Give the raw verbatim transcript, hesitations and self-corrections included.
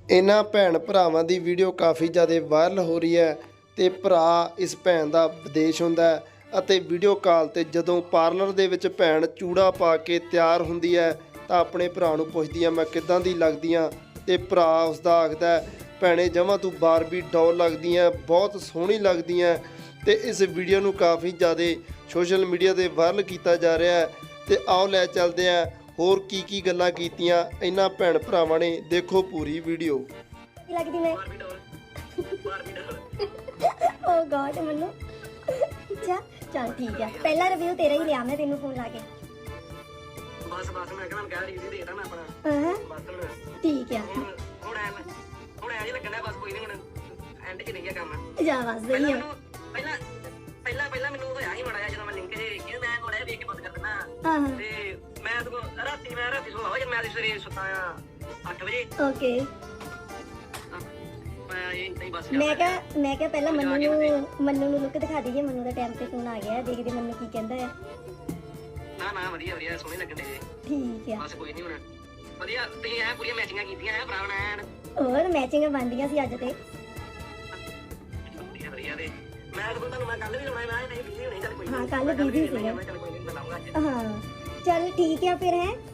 ਇਹਨਾਂ ਭੈਣ ਭਰਾਵਾਂ ਦੀ ਵੀਡੀਓ ਕਾਫੀ ਜ਼ਿਆਦਾ ਵਾਇਰਲ ਹੋ ਰਹੀ ਹੈ ਤੇ ਭਰਾ ਇਸ ਭੈਣ ਦਾ ਵਿਦੇਸ਼ ਹੁੰਦਾ ਹੈ ਅਤੇ ਵੀਡੀਓ ਕਾਲ ਤੇ ਜਦੋਂ ਪਾਰਲਰ ਦੇ ਵਿੱਚ ਭੈਣ ਚੂੜਾ ਪਾ ਕੇ ਤਿਆਰ ਹੁੰਦੀ ਹੈ ਤਾਂ ਆਪਣੇ ਭਰਾ ਨੂੰ ਪੁੱਛਦੀ ਆ ਮੈਂ ਕਿੱਦਾਂ ਦੀ ਲੱਗਦੀ ਆ ਤੇ ਭਰਾ ਉਸਦਾ ਆਖਦਾ ਭੈਣੇ ਜਮਾਂ ਤੂੰ ਬਾਰਬੀ ਡੋਲ ਲੱਗਦੀ ਆ, ਬਹੁਤ ਸੋਹਣੀ ਲੱਗਦੀ ਆ। ਤੇ ਇਸ ਵੀਡੀਓ ਨੂੰ ਕਾਫੀ ਜ਼ਿਆਦਾ ਸੋਸ਼ਲ ਮੀਡੀਆ ਤੇ ਵਾਇਰਲ ਕੀਤਾ ਜਾ ਰਿਹਾ ਹੈ ਤੇ ਆਓ ਲੈ ਚੱਲਦੇ ਆ ਹੋਰ ਕੀ ਕੀ ਗੱਲਾਂ ਕੀਤੀਆਂ ਇਹਨਾਂ ਭੈਣ ਭਰਾਵਾਂ ਨੇ। ਦੇਖੋ ਪੂਰੀ ਵੀਡੀਓ। ਲੱਗਦੀ ਮੈਂ ਓ ਗॉड ਮੈਨੂੰ ਅੱਛਾ ਚੱਲ ਠੀਕ ਹੈ, ਪਹਿਲਾ ਰਿਵਿਊ ਤੇਰਾ ਹੀ ਲਿਆ ਮੈਂ ਤੈਨੂੰ ਫੋਨ ਲਾ ਕੇ। ਬਸ ਬਸ ਮੈਂ ਕਹਿੰਦਾ ਕਹਿ ਰਿਵਿਊ ਦੇਤਾ ਮੈਂ ਆਪਣਾ। ਹਾਂ ਬਸ ਹੁਣ ਠੀਕ ਹੈ, ਹੁਣ ਹੁਣ ਐ ਹੁਣ ਐ ਲੱਗਣਾ ਬਸ ਕੋਈ ਨਹੀਂ, ਹੁਣ ਐਂਡ 'ਚ ਨਹੀਂ ਗਿਆ ਕੰਮ। ਜਾ ਬਸ ਪਹਿਲਾਂ ਸਹੀ ਹੈ। ਮੈਨੂੰ ਪਹਿਲਾਂ ਪਹਿਲਾਂ ਪਹਿਲਾਂ ਮੈਨੂੰ ਹੋਇਆ ਸੀ ਮਾੜਾ ਜਿਹਾ ਜਦੋਂ ਮੈਂ ਲਿੰਕ ਜੇ ਕਿ ਮੈਂ ਕੋਲੇ ਵੇਖ ਕੇ ਬੰਦ ਕਰ ਦਿੰਦਾ ਹਾਂ ਹਾਂ ਤੇ ਮੈਂ ਤਾਂ ਰਾਤੀ ਮੈਂ ਰਾਤੀ ਸੋਇਆ ਜਦ ਮੈਂ ਸਵੇਰੇ ਸੁੱਤਾ ਆ ਅੱਠ ਵਜੇ। ਓਕੇ ਮੈਂ ਇਹ ਨਹੀਂ ਬਸ ਮੈਂ ਕਿਹਾ ਮੈਂ ਕਿਹਾ ਪਹਿਲਾਂ ਮੰਨੂ ਨੂੰ ਮੰਨੂ ਨੂੰ ਲੁੱਕ ਦਿਖਾ ਦਈਏ। ਮੰਨੂ ਦਾ ਟਾਈਮ ਤੇ ਫੋਨ ਆ ਗਿਆ, ਦੇਖਦੇ ਮੰਨੂ ਕੀ ਕਹਿੰਦਾ ਹੈ। ਨਾ ਨਾ ਵਧੀਆ ਵਧੀਆ ਸੋਹਣੇ ਲੱਗਣ ਦੇ ਠੀਕ ਹੈ, ਬਸ ਕੋਈ ਨਹੀਂ ਹੁਣ ਵਧੀਆ ਤੁਸੀਂ ਐ ਪੂਰੀਆਂ ਮੈਚਿੰਗਾਂ ਕੀਤੀਆਂ ਐ ਭਰਾ ਐਨ ਹੋਰ ਮੈਚਿੰਗ ਬਣਦੀਆਂ ਸੀ ਅੱਜ ਤੇ। ਵਧੀਆ ਵਧੀਆ ਤੇ ਮੈਂ ਤਾਂ ਤੁਹਾਨੂੰ ਮੈਂ ਕੱਲ ਵੀ ਲਾਉਣਾ ਮੈਂ ਨਹੀਂ ਬਿਜ਼ੀ ਹੋਣੀ ਚੱਲ ਕੋਈ ਹਾਂ ਕੱਲ ਬਿਜ਼ੀ ਸੀ। ਮੈਂ ਚੱਲ ਕੋਈ ਨਹੀਂ ਮੈਂ ਲਾਉਂਗਾ ਅੱਜ। ਹਾਂ ਚੱਲ ਠੀਕ ਹੈ ਫਿਰ ਹੈ।